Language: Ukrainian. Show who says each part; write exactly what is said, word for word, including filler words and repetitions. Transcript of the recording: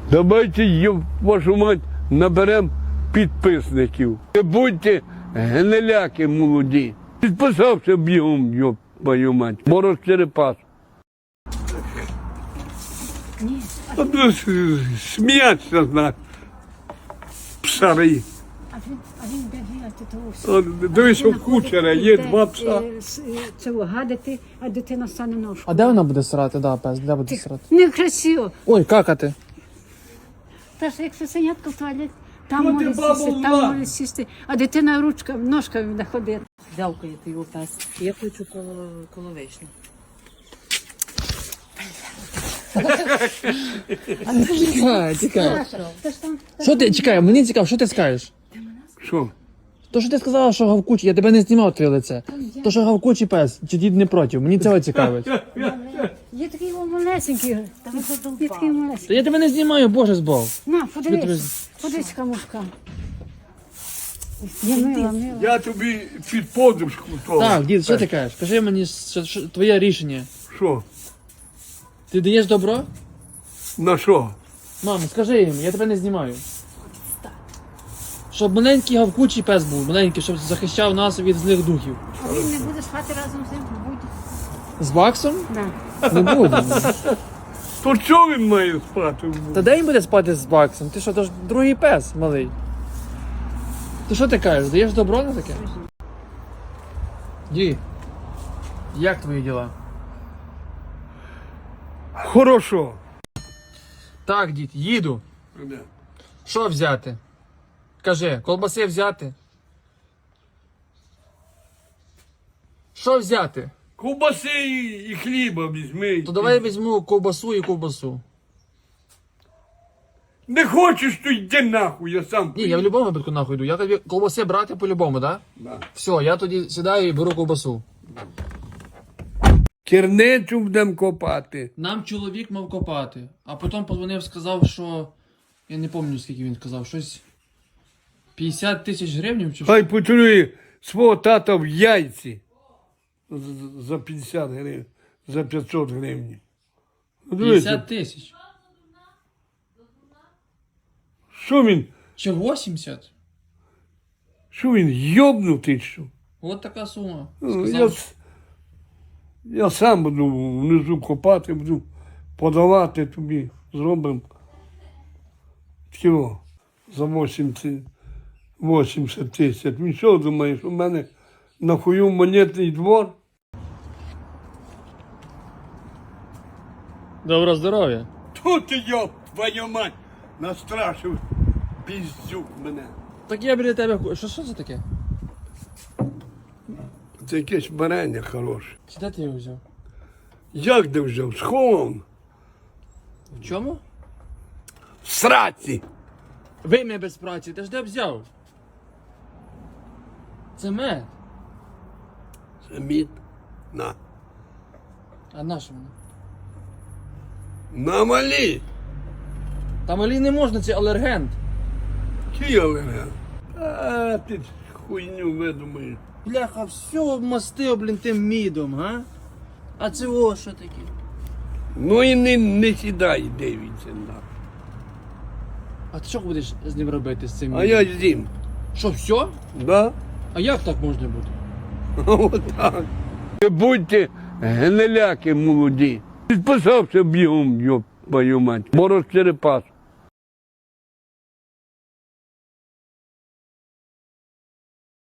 Speaker 1: Давайте, ёб вашу мать, наберемо підписників. Не будьте гниляки молоді. Підписався бігом, ёб твою мать. Мороз Черепас.
Speaker 2: Ні.
Speaker 1: А то сміяться з нас. Псари.
Speaker 2: А він, а він де гіляти того все.
Speaker 1: Дивись, у кучера є два пса.
Speaker 2: Цього гадити, а дитина стане ножку.
Speaker 3: А де вона буде срати, да, пес? Де буде срати?
Speaker 2: Некрасиво.
Speaker 3: Ой, какати.
Speaker 2: Та ж як сусенятка в туалет, там
Speaker 1: Ну, ти
Speaker 2: може
Speaker 1: бабу
Speaker 2: сісти,
Speaker 1: мла.
Speaker 2: там може сісти, а дитина ручка, ножками буде ходити.
Speaker 4: Вялкає ти його пес. Я хочу коло, коло вишні.
Speaker 3: Тікай, тікай.
Speaker 2: Та ж там,
Speaker 3: Що ти, чекай, мені цікаво, що ти скажеш?
Speaker 1: Що?
Speaker 3: То, що ти сказала, що гавкучий, я тебе не знімав твоє лице. То, що гавкучий пес, чи дід не проти, мені цього цікавить.
Speaker 2: є такий о, малесенький, є такий малесенький.
Speaker 3: Та я тебе не знімаю, боже збов.
Speaker 2: На,
Speaker 3: Я тебе-
Speaker 2: подивись, подивись, камушка. Я мила, мила.
Speaker 1: Я тобі під подушку того.
Speaker 3: Так, дід, що ти кажеш? Кажи мені що, що, твоє рішення.
Speaker 1: Що?
Speaker 3: Ти даєш добро?
Speaker 1: На що?
Speaker 3: Мамо, скажи їм, я тебе не знімаю. Щоб маленький гавкучий пес був, маленький, щоб захищав нас від злих духів.
Speaker 2: А він не буде спати разом з ним? Буде.
Speaker 3: З Баксом?
Speaker 2: Да.
Speaker 3: Не буде.
Speaker 1: То що він має спати?
Speaker 3: Та де він буде спати з Баксом? Ти що, то ж другий пес малий. Ти що ти кажеш, даєш добро на таке? Ді, як твої діла?
Speaker 1: Хорошо.
Speaker 3: Так, дід, їду. Що взяти? Кажи, колбаси взяти? Що взяти?
Speaker 1: Ковбаси і хліба візьми.
Speaker 3: То давай візьму ковбасу і ковбасу.
Speaker 1: Не хочеш, то йди нахуй, я сам.
Speaker 3: Ні, я в будь-якому випадку нахуй йду. Я тобі колбаси брати по-любому, так? Да?
Speaker 1: Да.
Speaker 3: Все, я тоді сідаю і беру ковбасу.
Speaker 1: Керницю будемо копати.
Speaker 3: Нам чоловік мав копати, а потім подзвонив, сказав, що... Я не пам'ятаю, скільки він сказав, щось... п'ятдесят тисяч гривень чи що?
Speaker 1: Хай поцілує свого тата в яйці. З- За п'ятдесят гривень, за п'ятсот гривень.
Speaker 3: п'ятдесят тисяч.
Speaker 1: Що він,
Speaker 3: Чи вісімдесят?
Speaker 1: що він, йобнутий, що?
Speaker 3: От така сума.
Speaker 1: Ну, Я,
Speaker 3: Сказав,
Speaker 1: с- я сам буду внизу копати, буду подавати тобі, зробимо. Кіло за вісімдесят, вісімдесят тисяч. Він що думаєш, у мене нахую монетний двор?
Speaker 3: доброго здоров'я.
Speaker 1: Тут ти, йоб, твою мать, настрашив піздюк мене.
Speaker 3: Так я біля тебе... ху- Що, що це таке?
Speaker 1: Це якесь варення хороше.
Speaker 3: Чи де ти його взяв?
Speaker 1: Як де взяв? Схован.
Speaker 3: В чому?
Speaker 1: В сраці.
Speaker 3: Вим'я без праці, ти ж де взяв? Це мед.
Speaker 1: Це мід. На.
Speaker 3: А на що воно?
Speaker 1: На малі.
Speaker 3: Там олій не можна, це алергент.
Speaker 1: Кілера. А ти хуйню видумаєш.
Speaker 3: Бляха, все мастив, блін, тим мідом, га? А це о, що таке?
Speaker 1: Ну і не, не сідай, дивіться на.
Speaker 3: А ти що будеш з ним робити, з цим
Speaker 1: А
Speaker 3: мідом?
Speaker 1: я з'їм.
Speaker 3: Що, все?
Speaker 1: Да?
Speaker 3: А як так можна бути?
Speaker 1: Отак. Не будьте гниляки молоді. Підписався бігом, йоб твою мать. Мороз Черепас.